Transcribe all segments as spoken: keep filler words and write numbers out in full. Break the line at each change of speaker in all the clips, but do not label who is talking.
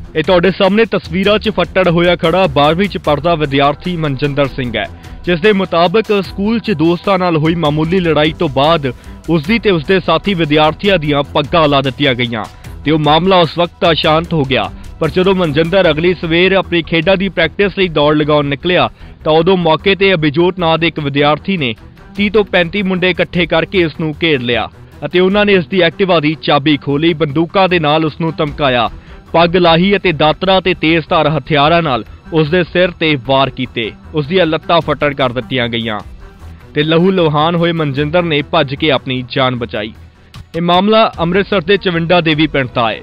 ਇਹ ਤੁਹਾਡੇ ਸਾਹਮਣੇ ਤਸਵੀਰਾਂ 'ਚ ਫੱਟੜ ਹੋਇਆ ਖੜਾ ਬਾਰਵੀਂ 'ਚ ਪੜ੍ਹਦਾ ਵਿਦਿਆਰਥੀ ਮਨਜਿੰਦਰ ਸਿੰਘ ਹੈ, ਜਿਸ ਦੇ ਮੁਤਾਬਕ ਸਕੂਲ 'ਚ ਦੋਸਤਾਂ ਨਾਲ ਹੋਈ ਮਾਮੂਲੀ ਲੜਾਈ ਤੋਂ ਬਾਅਦ ਉਸ ਦੀ ਤੇ ਉਸਦੇ ਸਾਥੀ ਵਿਦਿਆਰਥੀਆਂ ਦੀਆਂ ਪੱਗਾਂ ਲਾ ਦਿੱਤੀਆਂ ਗਈਆਂ ਤੇ ਉਹ ਮਾਮਲਾ ਉਸ ਵਕਤ ਸ਼ਾਂਤ ਹੋ ਗਿਆ। ਪਰ ਜਦੋਂ ਮਨਜਿੰਦਰ ਅਗਲੀ ਸਵੇਰ ਆਪਣੀ ਖੇਡਾਂ ਦੀ ਪ੍ਰੈਕਟਿਸ ਲਈ ਦੌੜ ਲਗਾਉਣ ਨਿਕਲਿਆ ਤਾਂ ਉਦੋਂ ਮੌਕੇ ਤੇ ਅਭਿਜੋਤ ਨਾਂ ਦੇ ਇੱਕ ਵਿਦਿਆਰਥੀ ਨੇ ਤੀਹ ਤੋਂ ਪੈਂਤੀ ਮੁੰਡੇ ਇਕੱਠੇ ਕਰਕੇ ਇਸ ਨੂੰ ਘੇਰ ਲਿਆ ਅਤੇ ਉਹਨਾਂ ਨੇ ਇਸ ਦੀ ਐਕਟਿਵਾ ਦੀ ਚਾਬੀ ਖੋਲੀ, ਬੰਦੂਕਾਂ ਦੇ ਨਾਲ ਉਸ ਨੂੰ ਧਮਕਾਇਆ, ਪੱਗ ਲਾਹੀ ਅਤੇ ਦਾਤਰਾਂ ਤੇ ਤੇਜ਼ਧਾਰ ਹਥਿਆਰਾਂ ਨਾਲ ਉਸ ਦੇ ਸਿਰ ਤੇ ਵਾਰ ਕੀਤੇ। ਉਸ ਦੀਆਂ ਲੱਤਾਂ ਫੱਟੜ ਕਰ ਦਿੱਤੀਆਂ ਗਈਆਂ ਤੇ ਲਹੂ ਲੁਹਾਨ ਹੋਏ ਮਨਜਿੰਦਰ ਨੇ ਭੱਜ ਕੇ ਆਪਣੀ ਜਾਨ ਬਚਾਈ। ਇਹ ਮਾਮਲਾ ਅੰਮ੍ਰਿਤਸਰ ਦੇ ਚਵਿੰਡਾ ਦੇਵੀ ਪਿੰਡ ਦਾ ਹੈ।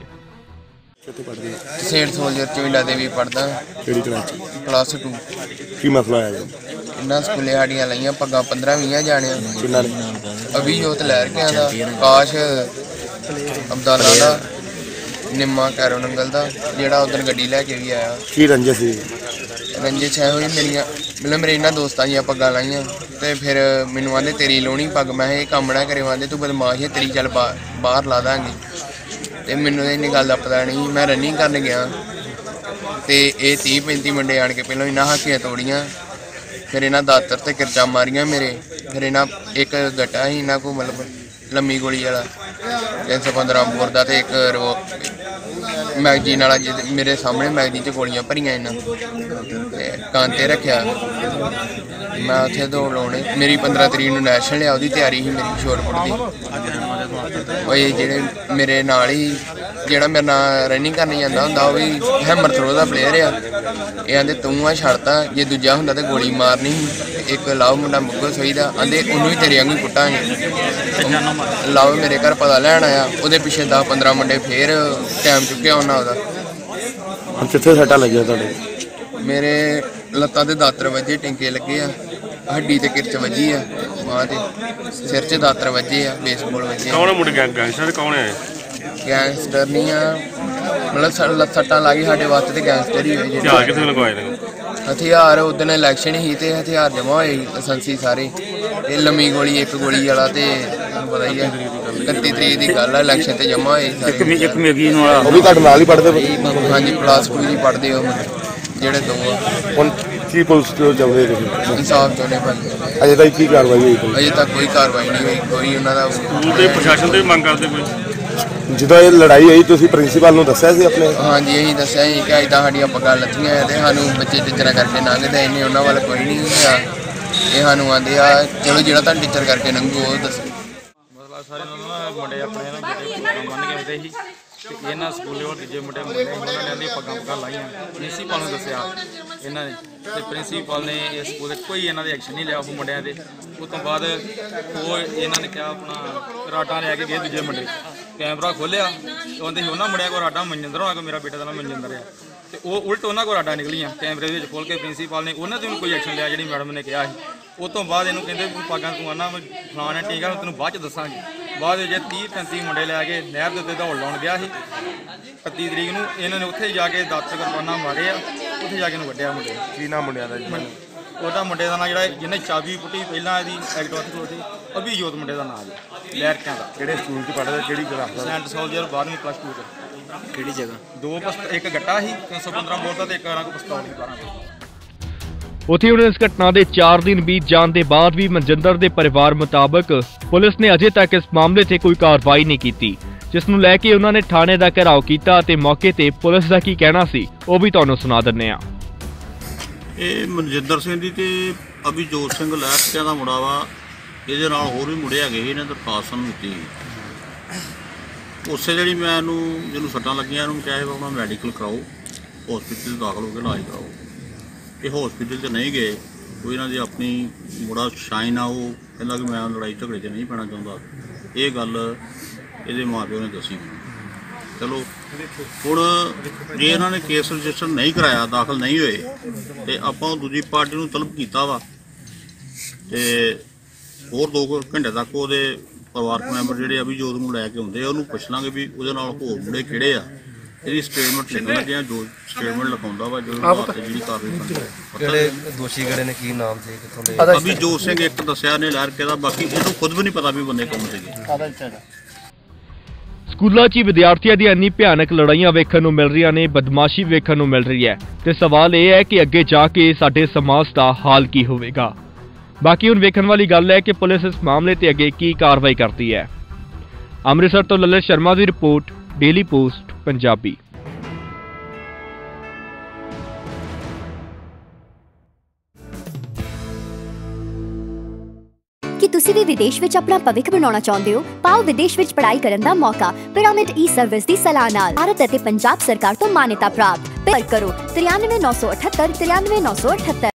ਸੇਠ ਸੋਲਜਰ ਚਵਿੰਡਾ ਦੇਵੀ ਪੜਦਾ।
ਕਿਹੜੀ ਕਲਾਸ
ਕਲਾਸ ਟੂ।
ਕੀ ਮਸਲਾ ਆਇਆ ਜੀ?
ਇਹਨਾਂ ਸਕੂਲੇ ਸਾਡੀਆਂ ਲਈਆਂ ਪੱਗਾਂ ਪੰਦਰਾਂ ਵੀਹ ਜਾਣਿਆਂ।
ਕਿੰਨਾ ਨੇ?
ਅਭਿਜੋਤ ਲਹਿਰਕਿਆਂ ਦਾ, ਕਾਸ਼ ਅਬਦਾਲਾ ਦਾ, ਨਿੰਮਾ ਕੈਰੋ ਨੰਗਲ ਦਾ, ਜਿਹੜਾ ਉਧਰ ਗੱਡੀ ਲੈ ਕੇ ਵੀ ਆਇਆ।
ਕੀ ਰੰਜਿਸ਼ ਸੀ?
ਰੰਜਿਸ਼ ਹੈ ਹੋਈ ਮੇਰੀਆਂ ਮਤਲਬ ਮੇਰੇ ਇਹਨਾਂ ਦੋਸਤਾਂ ਦੀਆਂ ਪੱਗਾਂ ਲਾਈਆਂ ਤੇ ਫਿਰ ਮੈਨੂੰ ਆਂਦੇ ਤੇਰੀ ਲਾਉਣੀ ਪੱਗ। ਮੈਂ ਇਹ ਕੰਮ ਨਾ ਕਰੇ, ਆਂਦੇ ਤੂੰ ਬਦਮਾਸ਼ ਹੈ, ਤੇਰੀ ਚੱਲ ਬਾਹਰ ਲਾ ਦਾਂਗੇ। ਤੇ ਮੈਨੂੰ ਇੰਨੀ ਗੱਲ ਦਾ ਪਤਾ ਨਹੀਂ। ਮੈਂ ਰਨਿੰਗ ਕਰਨ ਗਿਆ ਤੇ ਇਹ ਤੀਹ ਪੈਂਤੀ ਮੁੰਡੇ ਆਣ ਕੇ ਪਹਿਲਾਂ ਇਹਨਾਂ ਹਾਕੀਆਂ ਤੋੜੀਆਂ, ਫਿਰ ਇਹਨਾਂ ਦਾਤਰ ਤੇ ਕਿਰਚਾਂ ਮਾਰੀਆਂ ਮੇਰੇ। ਫਿਰ ਇਹਨਾਂ ਇੱਕ ਗੱਟਾ ਸੀ ਇਹਨਾਂ ਕੋਲ ਮਤਲਬ ਲੰਮੀ ਗੋਲੀ ਵਾਲਾ ਤਿੰਨ ਸੌ ਪੰਦਰਾਂ ਬੋਰ ਦਾ ਤੇ ਇੱਕ ਮੈਗਜ਼ੀਨ ਵਾਲਾ, ਜਿਹਦੇ ਮੇਰੇ ਸਾਹਮਣੇ ਮੈਗਜ਼ੀਨ 'ਚ ਗੋਲੀਆਂ ਭਰੀਆਂ ਇਹਨਾਂ ਤੇ ਕੰਨ 'ਤੇ ਰੱਖਿਆ। ਮੈਂ ਉੱਥੇ ਦੌੜ ਲਾਉਣੇ। ਮੇਰੀ ਪੰਦਰਾਂ ਤਰੀਕ ਨੂੰ ਨੈਸ਼ਨਲ ਆ, ਉਹਦੀ ਤਿਆਰੀ ਸੀ ਮੇਰੀ ਸ਼ੋਟਪੁੱਟ ਦੀ। ਉਹ ਜਿਹੜੇ ਮੇਰੇ ਨਾਲ ਹੀ ਜਿਹੜਾ ਮੇਰੇ ਨਾਲ ਰਨਿੰਗ ਕਰਨ ਜਾਂਦਾ ਹੁੰਦਾ ਉਹ ਵੀ ਹੈਮਰ ਥਰੋ ਦਾ ਪਲੇਅਰ ਆ। ਇਹ ਆਂਦੇ ਤੂੰ ਆ ਛੱਡਤਾ, ਜੇ ਦੂਜਾ ਹੁੰਦਾ ਤਾਂ ਗੋਲੀ ਮਾਰਨੀ ਸੀ। ਇੱਕ ਲਾਓ ਮੁੰਡਾ ਮੁੱਗੋ ਸੋਈ ਦਾ, ਆਂਦੇ ਉਹਨੂੰ ਵੀ ਤੇਰੇ ਵਾਂਗੂ ਕੁੱਟਾਂਗੇ। ਲਾਓ ਮੇਰੇ ਘਰ ਪਤਾ ਲੈਣ ਆਇਆ, ਉਹਦੇ ਪਿੱਛੇ ਦਸ ਪੰਦਰਾਂ ਮੁੰਡੇ ਫੇਰ ਟਾਈਮ ਚੁੱਕਿਆ ਉਹਨਾਂ ਉਹਦਾ।
ਹੁਣ ਕਿੱਥੇ ਸੱਟਾਂ ਲੱਗੀਆਂ ਤੁਹਾਡੇ?
ਮੇਰੇ ਲੱਤਾਂ ਤੇ ਦਾਤਰ ਵੱਜੇ, ਟਿੰਕੇ ਲੱਗੇ ਆ, ਹੱਡੀ ਤੇ ਕਿਰਚ ਵੱਜੀ ਆ, ਬਾਂਹ ਤੇ ਸਿਰ 'ਚ ਦਾਤਰ ਵੱਜੇ ਆ, ਬੇਸਬਾਲ ਵੱਜੇ।
ਕੌਣ ਮੁੰਡੇ ਗੈਂਗਸਟਰ ਕੌਣ ਹੈ?
ਗੈਂਗਸਟਰ ਨਹੀਂ ਆ, ਮਤਲਬ ਸੱਟਾਂ ਲੱਗੀ ਸਾਡੇ ਵਾਸਤੇ ਤੇ ਗੈਂਗਸਟਰ ਹੀ ਹੋਏ।
ਹਥਿਆਰ ਕਿੱਥੇ ਲਗਵਾਏ ਨੇ?
ਹਥਿਆਰ ਉਦਣ ਇਲੈਕਸ਼ਨ ਹੀ ਤੇ ਹਥਿਆਰ ਜਮ੍ਹਾਂ ਹੋਏ ਸੀ, ਲਾਇਸੈਂਸੀ ਸਾਰੇ। ਇਹ ਲੰਮੀ ਗੋਲੀ ਇੱਕ ਗੋਲੀ ਵਾਲਾ ਤੇ ਤੁਹਾਨੂੰ ਪਤਾ ਹੀ ਹੈ ਇਕੱਤੀ ਤਰੀਕ ਦੀ ਗੱਲ ਆ, ਇਲੈਕਸ਼ਨ ਤੇ ਜਮ੍ਹਾਂ ਹੋਏ ਸਾਰੇ।
ਇੱਕ ਮੈਗੀ ਵਾਲਾ ਉਹ ਵੀ ਤੁਹਾਡੇ ਨਾਲ ਹੀ ਪੜ੍ਹਦੇ?
ਹਾਂਜੀ, ਪਲੱਸ ਟੂ ਜੀ ਪੜ੍ਹਦੇ ਉਹ ਜਿਹੜੇ ਦੋ ਆ।
ਹੁਣ ਕੀ ਪੁਲਿਸ ਤੋਂ ਚਾਹੁੰਦੇ ਤੁਸੀਂ?
ਇਨਸਾਫ ਚਾਹੁੰਦੇ ਭਾਈ।
ਅਜੇ ਤੱਕ ਕੀ ਕਾਰਵਾਈ ਹੋਈ?
ਅਜੇ ਤੱਕ ਕੋਈ ਕਾਰਵਾਈ ਨਹੀਂ ਹੋਈ। ਕੋਈ ਉਹਨਾਂ ਦਾ
ਸਕੂਲ ਦੇ ਪ੍ਰਸ਼ਾਸਨ ਤੋਂ ਮੰਗ ਕਰਦੇ ਕੋਈ? ਜਦੋਂ ਇਹ ਲੜਾਈ ਹੋਈ ਤੁਸੀਂ ਪ੍ਰਿੰਸੀਪਲ ਨੂੰ ਦੱਸਿਆ ਸੀ ਆਪਣੇ?
ਹਾਂਜੀ, ਅਸੀਂ ਦੱਸਿਆ ਸੀ ਕਿ ਇੱਦਾਂ ਸਾਡੀਆਂ ਪੱਗਾਂ ਲੱਥੀਆਂ ਤੇ ਸਾਨੂੰ ਬੱਚੇ ਟੀਚਰਾਂ ਕਰਕੇ ਲੰਘਦੇ ਇੰਨੇ, ਉਹਨਾਂ ਵੱਲ ਕੋਈ ਨਹੀਂ ਹੋਇਆ। ਇਹ ਸਾਨੂੰ ਆਂਦੇ ਆ ਚਲੋ ਜਿਹੜਾ ਤੁਹਾਨੂੰ ਟੀਚਰ ਕਰਕੇ ਲੰਘੂ ਉਹ ਦੱਸੋ।
ਮਤਲਬ ਸਾਰੇ ਨਾ ਮੁੰਡੇ ਆਪਣੇ ਨਾ ਜਿਹੜੇ ਪੱਗਾਂ ਬੰਨ੍ਹ ਕੇ ਆਉਂਦੇ ਸੀ ਤੇ ਇਹਨਾਂ ਸਕੂਲੇ ਹੋਰ ਦੂਜੇ ਮੁੰਡੇ ਮੁੰਡੇ ਉਹਨਾਂ ਨੇ ਆਂਦੀ ਪੱਗਾਂ ਪੱਗਾਂ ਲਾਈਆਂ। ਪ੍ਰਿੰਸੀਪਲ ਨੂੰ ਦੱਸਿਆ ਇਹਨਾਂ ਨੇ ਤੇ ਪ੍ਰਿੰਸੀਪਲ ਨੇ ਇਸ ਸਕੂਲ 'ਚ ਕੋਈ ਇਹਨਾਂ ਦੇ ਐਕਸ਼ਨ ਨਹੀਂ ਲਿਆ ਉਹ ਮੁੰਡਿਆਂ ਦੇ। ਉਸ ਤੋਂ ਬਾਅਦ ਉਹ ਇਹਨਾਂ ਨੇ ਕਿਹਾ ਆਪਣਾ ਰਾਟਾਂ ਲੈ ਕੇ ਗਏ ਦੂਜੇ ਮੁੰਡੇ, ਕੈਮਰਾ ਖੋਲ੍ਹਿਆ ਉਹਦੇ ਸੀ ਉਹਨਾਂ ਮੁੰਡਿਆਂ ਕੋਲ ਰਾਟਾਂ ਮਨਜਿੰਦਰ ਹੋਣਾ ਕੋਲ, ਮੇਰਾ ਬੇਟਾ ਦਾ ਨਾਮ ਮਨਜਿੰਦਰ ਆ, ਤੇ ਉਹ ਉਲਟ ਉਹਨਾਂ ਕੋਲ ਰਾਟਾਂ ਨਿਕਲੀਆਂ ਕੈਮਰੇ ਵਿੱਚ ਖੋਲ੍ਹ ਕੇ। ਪ੍ਰਿੰਸੀਪਲ ਨੇ ਉਹਨਾਂ 'ਤੇ ਵੀ ਕੋਈ ਐਕਸ਼ਨ ਲਿਆ ਜਿਹੜੀ ਮੈਡਮ ਨੇ ਕਿਹਾ ਸੀ। ਉਸ ਤੋਂ ਬਾਅਦ ਇਹਨੂੰ ਕਹਿੰਦੇ ਪਾਗਾਂ ਤੂੰ ਆਉਣਾ ਫਲਾਣਾ ਠੀਕ ਆ, ਤੈਨੂੰ ਬਾਅਦ 'ਚ ਦੱਸਾਂਗੇ। ਬਾਅਦ ਵਿੱਚ ਤੀਹ ਪੈਂਤੀ ਮੁੰਡੇ ਲੈ ਕੇ ਨਹਿਰ ਦੇ ਉੱਤੇ ਦੌੜ ਲਾਉਣ ਗਿਆ ਸੀ ਇਕੱਤੀ ਤਰੀਕ ਨੂੰ। ਇਹਨਾਂ ਨੇ ਉੱਥੇ ਜਾ ਕੇ ਦਾਤਰ ਕਿਰਪਾਨਾਂ ਮਾਰੇ ਆ, ਉੱਥੇ ਜਾ ਕੇ ਇਹਨੂੰ ਵੱਢਿਆ ਮੁੰਡੇ।
ਕੀ ਨਾਮ ਮੁੰਡਿਆਂ ਦਾ ਜੀ?
ਉਹਦਾ ਮੁੰਡੇ ਦਾ ਨਾਂ ਜਿਹੜਾ ਜਿਹਨੇ ਚਾਬੀ ਪੁੱਟੀ ਪਹਿਲਾਂ ਇਹਦੀ ਐਕਟਿਵਾ ਤੇ ਸੀ, ਅਭਿਜੋਤ ਮੁੰਡੇ ਦਾ ਨਾਂ ਜੀ, ਲਹਿਰਕਿਆਂ ਦਾ।
ਕਿਹੜੇ ਸਕੂਲ 'ਚ ਪੜ੍ਹਦਾ? ਕਿਹੜੀ ਕਲਾਸ ਦਾ?
ਸੈਂਟ ਸੋਲਜਰ ਬਾਰਵੀਂ ਪਲੱਸ ਟੂ 'ਚ।
ਕਿਹੜੀ ਜਗ੍ਹਾ?
ਦੋ ਪਸਤ ਇੱਕ ਗੱਟਾ ਸੀ ਤਿੰਨ ਸੌ ਪੰਦਰਾਂ ਬੋਰ ਦਾ ਤੇ ਇੱਕ ਇਹਨਾਂ ਕੋਲ ਪਿਸਤੌਲ ਸੀ ਬਾਰਾਂ ਦਾ।
ਉੱਥੇ ਹੁਣ ਇਸ ਘਟਨਾ ਦੇ ਚਾਰ ਦਿਨ ਬੀਤ ਜਾਣ ਦੇ ਬਾਅਦ ਵੀ ਮਨਜਿੰਦਰ ਦੇ ਪਰਿਵਾਰ ਮੁਤਾਬਕ ਪੁਲਿਸ ਨੇ ਅਜੇ ਤੱਕ ਇਸ ਮਾਮਲੇ 'ਤੇ ਕੋਈ ਕਾਰਵਾਈ ਨਹੀਂ ਕੀਤੀ, ਜਿਸ ਨੂੰ ਲੈ ਕੇ ਉਹਨਾਂ ਨੇ ਥਾਣੇ ਦਾ ਘਿਰਾਓ ਕੀਤਾ ਅਤੇ ਮੌਕੇ ਤੇ ਪੁਲਿਸ ਦਾ ਕੀ ਕਹਿਣਾ ਸੀ ਉਹ ਵੀ ਤੁਹਾਨੂੰ ਸੁਣਾ ਦਿੰਦੇ ਹਾਂ।
ਇਹ ਮਨਜਿੰਦਰ ਸਿੰਘ ਦੀ ਤੇ ਅਭਿਜੋਤ ਸਿੰਘ ਲਹਿਰਕਿਆਂ ਦਾ ਮੁੰਡਾ ਵਾ। ਇਹਦੇ ਨਾਲ ਹੋਰ ਵੀ ਮੁੰਡੇ ਹੈਗੇ ਸੀ, ਇਹਨਾਂ ਦਰਖਾਸਤ ਨੂੰ ਦਿੱਤੀ। ਉਸੇ ਜਿਹੜੀ ਮੈਂ ਇਹਨੂੰ ਜਿਹਨੂੰ ਸੱਟਾਂ ਲੱਗੀਆਂ ਇਹਨੂੰ ਕਿਹਾ ਸੀ ਆਪਣਾ ਮੈਡੀਕਲ ਕਰਾਓ, ਹੌਸਪੀਟਲ ਦਾਖਲ ਹੋ ਕੇ ਇਲਾਜ ਕਰਾਓ। ਇਹ ਹੌਸਪੀਟਲ 'ਚ ਨਹੀਂ ਗਏ। ਕੋਈ ਇਹਨਾਂ ਦੀ ਆਪਣੀ ਮੁੰਡਾ ਸ਼ਾਈਨ ਆ, ਉਹ ਕਹਿੰਦਾ ਕਿ ਮੈਂ ਲੜਾਈ ਝਗੜੇ 'ਚ ਨਹੀਂ ਪੈਣਾ ਚਾਹੁੰਦਾ। ਇਹ ਗੱਲ ਇਹਦੇ ਮਾਂ ਪਿਓ ਨੇ ਦੱਸੀ। ਚਲੋ ਹੁਣ ਜੇ ਇਹਨਾਂ ਨੇ ਕੇਸ ਰਜਿਸਟਰ ਨਹੀਂ ਕਰਾਇਆ, ਦਾਖਲ ਨਹੀਂ ਹੋਏ, ਤੇ ਆਪਾਂ ਦੂਜੀ ਪਾਰਟੀ ਨੂੰ ਤਲਬ ਕੀਤਾ ਵਾ ਤੇ ਹੋਰ ਦੋ ਘੰਟੇ ਤੱਕ ਉਹਦੇ ਪਰਿਵਾਰਕ ਮੈਂਬਰ ਜਿਹੜੇ ਅਭਿਜੋਤ ਨੂੰ ਲੈ ਕੇ ਆਉਂਦੇ ਆ ਉਹਨੂੰ ਪੁੱਛ ਲਾਂਗੇ ਵੀ ਉਹਦੇ ਨਾਲ ਹੋਰ ਮੁੰਡੇ ਕਿਹੜੇ ਆ। ਇਹਦੀ ਸਟੇਟਮੈਂਟ ਲਿਖਣ ਲੱਗੇ ਆ, ਜੋ ਸਟੇਟਮੈਂਟ ਲਿਖਾਉਂਦਾ ਵਾ ਜੋ ਜਿਹੜੀ ਕਾਰਵਾਈ
ਜਿਹੜੇ ਦੋਸ਼ੀ ਕਿਹੜੇ ਨੇ, ਕੀ ਨਾਮ ਸੀ, ਕਿੱਥੋਂ ਦੇ?
ਅਭਿਜੋਤ ਸਿੰਘ ਇੱਕ ਦੱਸਿਆ ਨੇ ਲਹਿਰਕੇ ਦਾ, ਬਾਕੀ ਇਹਨੂੰ ਖੁਦ ਵੀ ਨਹੀਂ ਪਤਾ ਵੀ ਬੰਦੇ ਕੌਣ ਸੀਗੇ।
ਸਕੂਲਾਂ 'ਚ ਹੀ ਵਿਦਿਆਰਥੀਆਂ ਦੀਆਂ ਇੰਨੀ ਭਿਆਨਕ ਲੜਾਈਆਂ ਵੇਖਣ ਨੂੰ ਮਿਲ ਰਹੀਆਂ ਨੇ, ਬਦਮਾਸ਼ੀ ਵੇਖਣ ਨੂੰ ਮਿਲ ਰਹੀ ਹੈ ਤੇ ਸਵਾਲ ਇਹ ਹੈ ਕਿ ਅੱਗੇ ਜਾ ਕੇ ਸਾਡੇ ਸਮਾਜ ਦਾ ਹਾਲ ਕੀ ਹੋਵੇਗਾ। ਬਾਕੀ ਹੁਣ ਵੇਖਣ ਵਾਲੀ ਗੱਲ ਹੈ ਕਿ ਪੁਲਿਸ ਇਸ ਮਾਮਲੇ ਤੇ ਅੱਗੇ ਕੀ ਕਾਰਵਾਈ ਕਰਦੀ ਹੈ। ਅੰਮ੍ਰਿਤਸਰ ਤੋਂ ਲਲਿਤ ਸ਼ਰਮਾ ਦੀ ਰਿਪੋਰਟ, ਡੇਲੀ ਪੋਸਟ ਪੰਜਾਬੀ।
ਕਿ ਤੁਸੀਂ ਵੀ ਵਿਦੇਸ਼ ਵਿੱਚ ਆਪਣਾ ਭਵਿੱਖ ਬਣਾਉਣਾ ਚਾਹੁੰਦੇ ਹੋ? ਪਾਓ ਵਿਦੇਸ਼ ਵਿੱਚ ਪੜ੍ਹਾਈ ਕਰਨ ਦਾ ਮੌਕਾ ਪਿਰਾਮਿਡ ਈ ਸਰਵਿਸ ਦੀ ਸਲਾਹ ਨਾਲ। ਭਾਰਤ ਅਤੇ ਪੰਜਾਬ ਸਰਕਾਰ ਤੋਂ ਮਾਨਤਾ ਪ੍ਰਾਪਤ। ਪਰ ਕਰੋ ਤਰਿਆਨਵੇਂ ਨੌ ਸੌ ਅਠੱਤਰ ਤਰਿਆਨਵੇਂ ਨੌ ਸੌ ਅਠੱਤਰ।